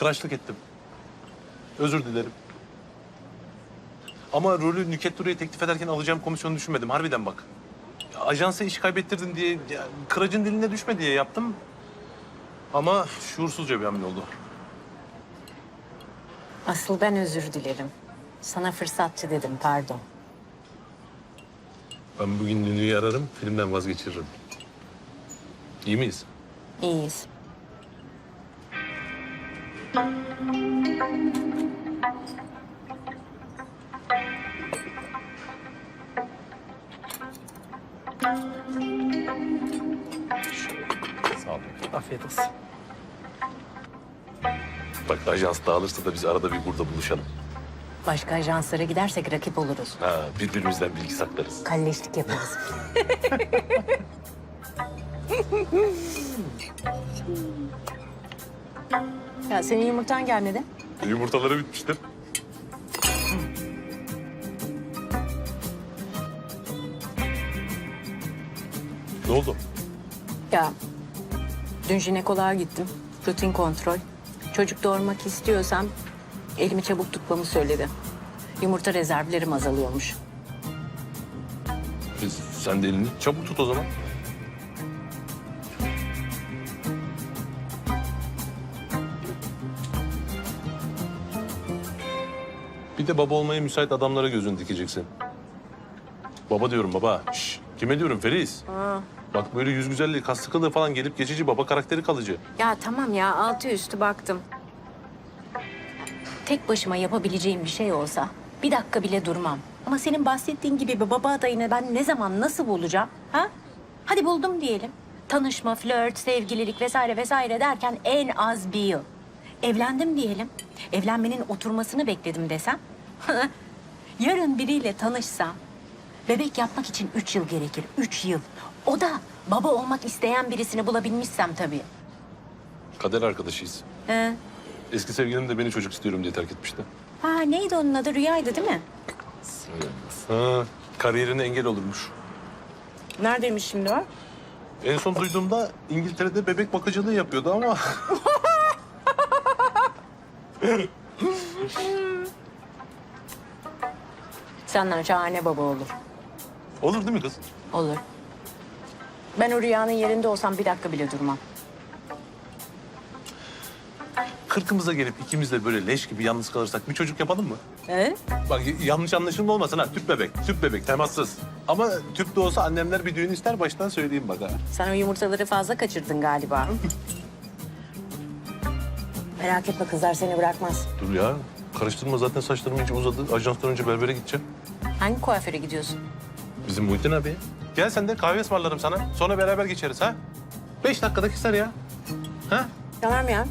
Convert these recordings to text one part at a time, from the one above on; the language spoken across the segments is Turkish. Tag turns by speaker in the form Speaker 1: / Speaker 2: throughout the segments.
Speaker 1: Kıraçlık ettim. Özür dilerim. Ama rolü Nükhet Duru'ya teklif ederken alacağım komisyonu düşünmedim. Harbiden bak. Ajansa iş kaybettirdin diye, ya, kıracın diline düşme diye yaptım. Ama şuursuzca bir hamle oldu.
Speaker 2: Asıl ben özür dilerim. Sana fırsatçı dedim, pardon.
Speaker 1: Ben bugün Nünü'yü ararım, filmden vazgeçiririm. İyi miyiz?
Speaker 2: İyiyiz.
Speaker 1: Sağ olun.
Speaker 3: Afiyet olsun.
Speaker 1: Bak ajans dağılırsa da biz arada bir burada buluşalım.
Speaker 2: Başka ajanslara gidersek rakip oluruz.
Speaker 1: Ha, birbirimizden bilgi saklarız.
Speaker 2: Kalleşlik yaparız. Ya senin yumurtan gelmedi.
Speaker 1: Yumurtaları bitmiştir. Ne oldu?
Speaker 2: Ya dün jinekoloğa gittim. Rutin kontrol. Çocuk doğurmak istiyorsam elimi çabuk tutmamı söyledi. Yumurta rezervlerim azalıyormuş.
Speaker 1: Sen de elini çabuk tut o zaman. Bir de baba olmaya müsait adamlara gözünü dikeceksin. Baba diyorum baba. Şş, kime diyorum Feriz? Bak böyle yüz güzelliği, kas sıkılığı falan gelip geçici, baba karakteri kalıcı.
Speaker 2: Ya tamam ya, altı üstü baktım. Tek başıma yapabileceğim bir şey olsa bir dakika bile durmam. Ama senin bahsettiğin gibi bir baba adayını ben ne zaman nasıl bulacağım? Ha? Hadi buldum diyelim. Tanışma, flört, sevgililik vesaire vesaire derken en az bir yıl. Evlendim diyelim. Evlenmenin oturmasını bekledim desem. Yarın biriyle tanışsam bebek yapmak için 3 yıl gerekir. 3 yıl. O da baba olmak isteyen birisini bulabilmişsem tabii.
Speaker 1: Kader arkadaşıyız.
Speaker 2: He.
Speaker 1: Eski sevgilim de beni çocuk istiyorum diye terk etmişti.
Speaker 2: Ha, neydi onun adı? Rüyaydı değil mi?
Speaker 1: Ha, kariyerine engel olurmuş.
Speaker 2: Neredeymiş şimdi o?
Speaker 1: En son duyduğumda İngiltere'de bebek bakıcılığı yapıyordu ama...
Speaker 2: Senden şahane baba olur.
Speaker 1: Olur değil mi kız?
Speaker 2: Olur. Ben o rüyanın yerinde olsam bir dakika bile durmam.
Speaker 1: Kırkımıza gelip ikimiz de böyle leş gibi yalnız kalırsak bir çocuk yapalım mı?
Speaker 2: He?
Speaker 1: Bak yanlış anlaşılma olmasın ha. Tüp bebek, temassız. Ama tüp de olsa annemler bir düğün ister, baştan söyleyeyim bak ha.
Speaker 2: Sen o yumurtaları fazla kaçırdın galiba. Merak etme, kızlar seni bırakmaz.
Speaker 1: Dur ya, karıştırma zaten saçlarım iyice uzadı. Ajanstan önce berbere gideceğim.
Speaker 2: Hangi kuaföre gidiyorsun?
Speaker 1: Bizim Muhittin abi. Gel sen de kahve ısmarlarım sana. Sonra beraber geçeriz ha. 5 dakikada keser ya. Ha?
Speaker 2: Tamam ya.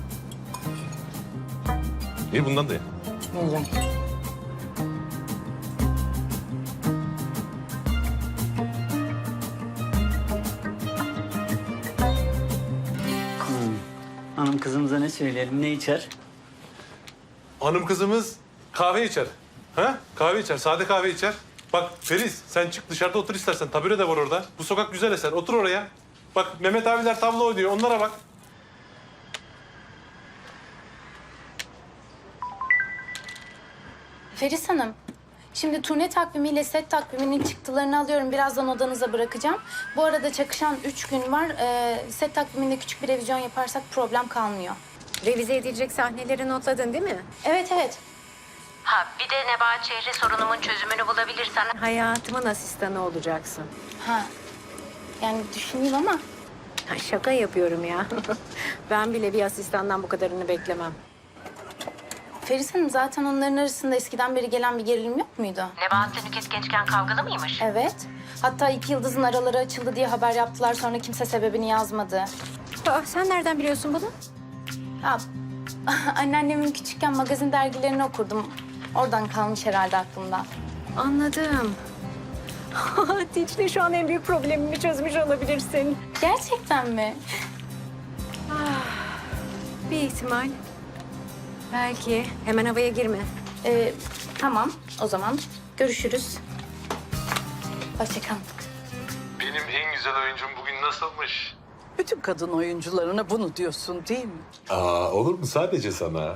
Speaker 1: İyi bundan da ye.
Speaker 2: Yiyeceğim.
Speaker 3: Hanım kızımıza ne söyleyelim, ne içer?
Speaker 1: Hanım kızımız kahve içer. Ha? Kahve içer, sade kahve içer. Bak Feriz, sen çık dışarıda otur istersen. Tabure de var orada. Bu sokak güzel eser. Otur oraya. Bak Mehmet abiler tablo oynuyor. Onlara bak.
Speaker 4: Feris Hanım, şimdi turne takvimiyle set takviminin çıktılarını alıyorum. Birazdan odanıza bırakacağım. Bu arada çakışan 3 gün var. Set takviminde küçük bir revizyon yaparsak problem kalmıyor.
Speaker 2: Revize edilecek sahneleri notladın değil mi?
Speaker 4: Evet, evet.
Speaker 2: Ha, bir de Nebahat Şehri sorunumun çözümünü bulabilirsen hayatımın asistanı olacaksın.
Speaker 4: Ha, yani düşüneyim ama
Speaker 2: Ha, şaka yapıyorum ya. Ben bile bir asistandan bu kadarını beklemem.
Speaker 4: Feris Hanım zaten onların arasında eskiden beri gelen bir gerilim yok muydu?
Speaker 2: Nebahat'le Nüket gençken kavgalı mıymış?
Speaker 4: Evet. Hatta iki yıldızın araları açıldı diye haber yaptılar. Sonra kimse sebebini yazmadı.
Speaker 2: Sen nereden biliyorsun bunu?
Speaker 4: Ya, anneannemin küçükken magazin dergilerini okurdum. Oradan kalmış herhalde aklımda.
Speaker 2: Anladım. Dicle şu an en büyük problemimi çözmüş olabilirsin.
Speaker 4: Gerçekten mi?
Speaker 2: Bir ihtimal. Belki. Hemen havaya girme.
Speaker 4: Tamam. O zaman görüşürüz. Hoşça kalın.
Speaker 1: Benim en güzel oyuncum bugün nasılmış?
Speaker 5: Bütün kadın oyuncularına bunu diyorsun değil mi?
Speaker 1: Aa, olur mu? Sadece sana.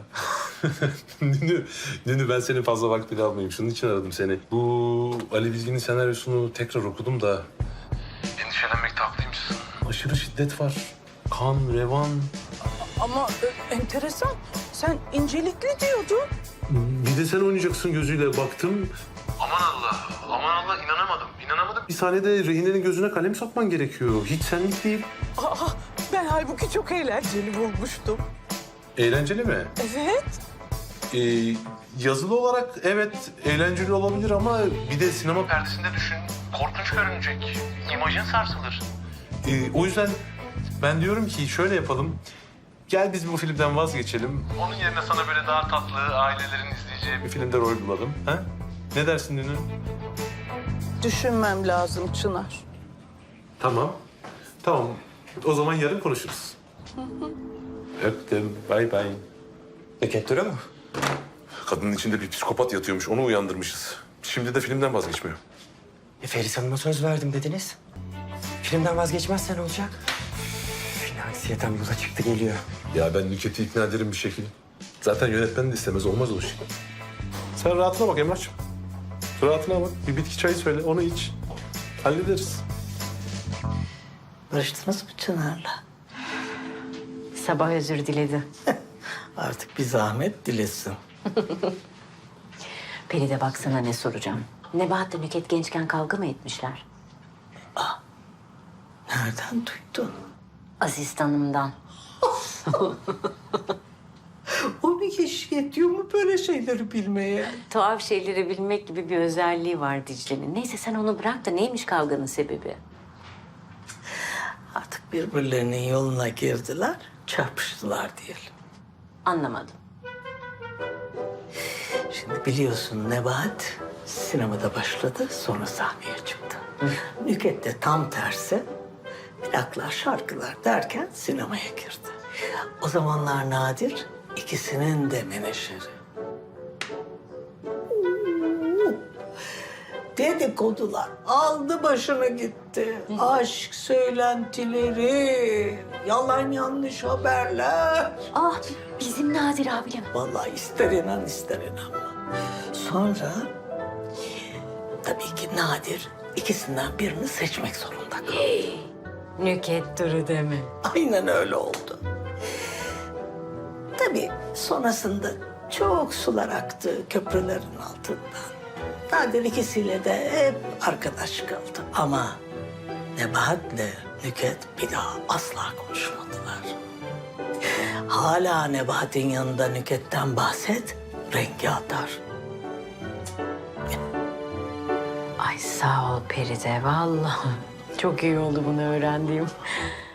Speaker 1: Nünü, ben senin fazla vaktini almayayım. Şunun için aradım seni. Bu Ali Bilgin'in senaryosunu tekrar okudum da... Endişelenmekte haklıymışsın. Aşırı şiddet var. Kan, revan.
Speaker 5: Ama enteresan. Sen incelikli diyordun.
Speaker 1: Bir de sen oynayacaksın gözüyle baktım. Aman Allah, aman Allah inanamadım. Bir sahnede rehinenin gözüne kalem sokman gerekiyor. Hiç senlik değil.
Speaker 5: Aa, ben halbuki çok eğlenceli bulmuştum.
Speaker 1: Eğlenceli mi?
Speaker 5: Evet.
Speaker 1: Yazılı olarak evet eğlenceli olabilir ama bir de sinema perdesinde düşün. Korkunç görünecek. İmajın sarsılır. O yüzden ben diyorum ki şöyle yapalım. Gel biz bu filmden vazgeçelim. Onun yerine sana böyle daha tatlı, ailelerin izleyeceği bir filmde rol bulalım. Ha? Ne dersin Dünü?
Speaker 5: Düşünmem lazım Çınar.
Speaker 1: Tamam. Tamam. O zaman yarın konuşuruz. Öptüm. Bay bay.
Speaker 6: Nükhet mu?
Speaker 1: Kadının içinde bir psikopat yatıyormuş. Onu uyandırmışız. Şimdi de filmden vazgeçmiyor.
Speaker 6: Feris Hanım'a söz verdim dediniz. Filmden vazgeçmezsen olacak. Yine anksiyetem yola çıktı geliyor.
Speaker 1: Ya ben Nükhet'i ikna ederim bir şekilde. Zaten yönetmen de istemez. Olmaz o şey. Sen rahatına bak Emrah'cığım. Rahatına bak. Bir bitki çayı söyle. Onu iç. Hallederiz.
Speaker 7: Barıştınız mı Çınar'la?
Speaker 2: Sabah özür diledi.
Speaker 7: Artık bir zahmet dilesin.
Speaker 2: Feride baksana ne soracağım. Nebahat'la Nüket gençken kavga mı etmişler?
Speaker 7: Nereden duydun?
Speaker 2: Asistanımdan.
Speaker 7: O bir kişi yetiyor mu böyle şeyleri bilmeye?
Speaker 2: Tuhaf şeyleri bilmek gibi bir özelliği var Dicle'nin. Neyse sen onu bırak da neymiş kavganın sebebi?
Speaker 7: Artık birbirlerinin yoluna girdiler, çarpıştılar diyelim.
Speaker 2: Anlamadım.
Speaker 7: Şimdi biliyorsun Nebahat sinemada başladı, sonra sahneye çıktı. Nüket de tam tersi. Plaklar, şarkılar derken sinemaya girdi. O zamanlar Nadir ikisinin de menajeri. Dedikodular aldı başını gitti. Aşk söylentileri, yalan yanlış haberler.
Speaker 2: Ah bizim Nadir abim.
Speaker 7: Vallahi ister inan ister inanma. Sonra tabii ki Nadir ikisinden birini seçmek zorunda kaldı.
Speaker 2: Nüket duru deme.
Speaker 7: Aynen öyle oldu. Tabii sonrasında çok sular aktı köprülerin altından. Nadir ikisiyle de hep arkadaş kaldı. Ama Nebahat'le Nüket bir daha asla konuşmadılar. Hala Nebahat'in yanında Nüket'ten bahset, rengi atar.
Speaker 2: Ay sağ ol Peride vallahi. Çok iyi oldu bunu öğrendiğim.